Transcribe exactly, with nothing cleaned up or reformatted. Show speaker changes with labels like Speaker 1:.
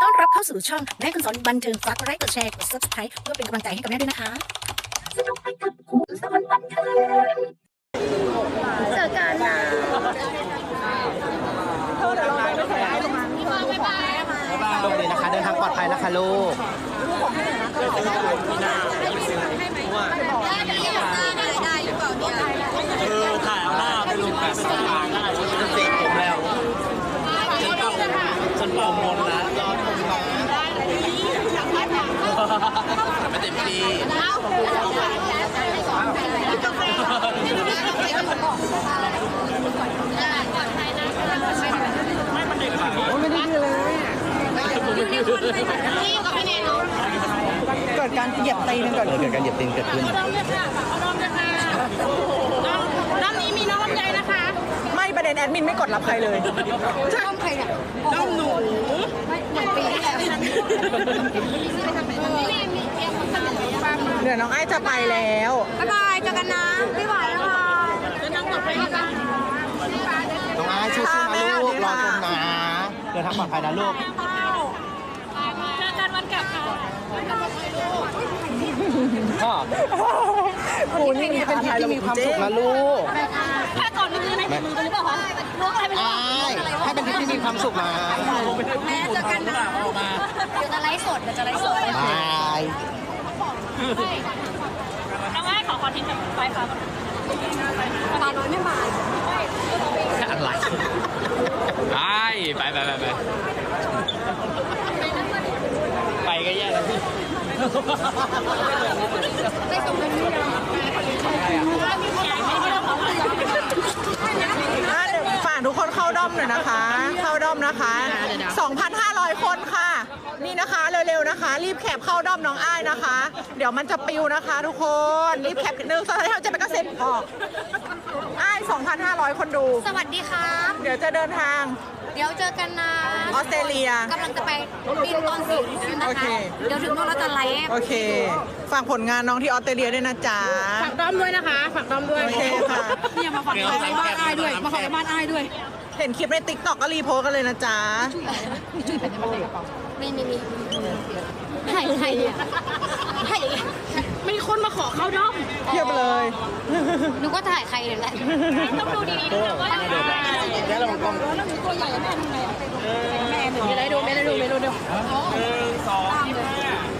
Speaker 1: ต้อนรับเข้าสู่ช่องแม่คุณสอนบันเทิงฝากกดไลค์กดแชร์กด ซับสไครบ์ เพื่อเป็นกำลังใจให้กับแม่ด้วยนะคะสนุกไปกับคุณสอนบันเทิงเจอกันนะเธอเดี๋ยวเราไปใส่ให้ลงมาบ๊ายบายลงเลยนะคะเดินทางปลอดภัยนะคะลูก
Speaker 2: เออถ่ายหน้าไปลงไปเป็นทางได้ฉันเสกผมแล้วฉันเป่าฉันเป่ามนนะรอชมน้องไม่เต็มที่ไม่มันเด็กค่ะไม่ได้เลย
Speaker 3: เกิดการเหยียบตีนเกิด
Speaker 4: เกิดการเหยียบตีนเกิดขึ้น
Speaker 5: น้ำนี้มีน้องลำไยนะคะ
Speaker 3: ไม่ประเด็นแอดมินไม่กดรับใครเลย
Speaker 5: น้องใครเนี่ยน้องหนูเหมือนปีที่แล้ว
Speaker 3: เดี๋ยวน้องไอ้จะไปแล้ว
Speaker 5: บ๊ายบายเจอกันนะไม่ไหวแล้วค่ะน้องต่อไปนะคะ
Speaker 4: น้องไอ้สู้ๆนะลูกรอชมนะเดินทางปลอดภัยนะลูก
Speaker 5: เจอกันวันกลับค่ะ
Speaker 4: พ่อ
Speaker 3: กูนี่เป็นทริปที่มีความสุข
Speaker 4: นะลูก
Speaker 5: ถ้าก่อนนี่คือในมือกันหรือเปล่าคะล้วงอะไรไป
Speaker 4: ไอ้ให้เป็นทริปที่มีความสุขนะ
Speaker 5: แม่เจอกันนะเดี๋ยวจะไลฟ์สดเดี๋ยวจะไลฟ์สด
Speaker 4: บาย
Speaker 5: น้องไอ้ขอคอนเทนต์แบบไฟฟ้าตาโดยไม่มา
Speaker 2: อะไรไปไปไปไปไปไปก็แย่แล้วพี่
Speaker 5: ไม่สมบูรณ์ไม่ได้
Speaker 3: ฝากทุกคนเข้าด้อมหน่อยนะคะ เข้าด้อมนะคะ สองพันห้าร้อย คนค่ะ นี่นะคะเร็วๆนะคะ รีบแคปเข้าด้อมน้องอ้ายนะคะ เดี๋ยวมันจะปิวนะคะทุกคน รีบแคปหนึ่งสองสามจะไปกระเซ็นออกอ้าย สองพันห้าร้อย คนดู
Speaker 5: สวัสดีครับ
Speaker 3: เดี๋ยวจะเดินทาง
Speaker 5: เดี๋ยวเจอกันนะ
Speaker 3: ออสเตรเลีย
Speaker 5: กำลังจะไปบินตอนสี่ทุ่มนะ
Speaker 3: โอเค
Speaker 5: คะเดี๋ยวถึงโน่นเราจะไลฟ์
Speaker 3: โอเค ฝากผลงานน้องที่ออสเตรเลียด้วยนะจ๊ะ
Speaker 5: ฝากด้อมด้วยนะคะฝากด้อมด้วย
Speaker 3: โอเคค่ะ
Speaker 5: เนี่ยมาฝากไปบ้านอ้ายด้วยมาฝากไปบ้านอ้ายด้วย
Speaker 3: เห็นคลิปในติ๊กต็อกก็รีโพสต์กันเลยนะจ๊ะ
Speaker 5: มีมีมีถ่ายถ่ายถ่ายมีคนมาขอเข้าด้อม
Speaker 3: เทียบเลย
Speaker 5: นึกว่าถ่ายใครเลยแหละต้องดูดีๆด้วยนะว่าแล้วเราต้องตัวใหญ่แม่ทำไงแม่หนูไม่ได้ดูไม่ได้ดูไม่ได้ดู
Speaker 2: หนึ่งสอง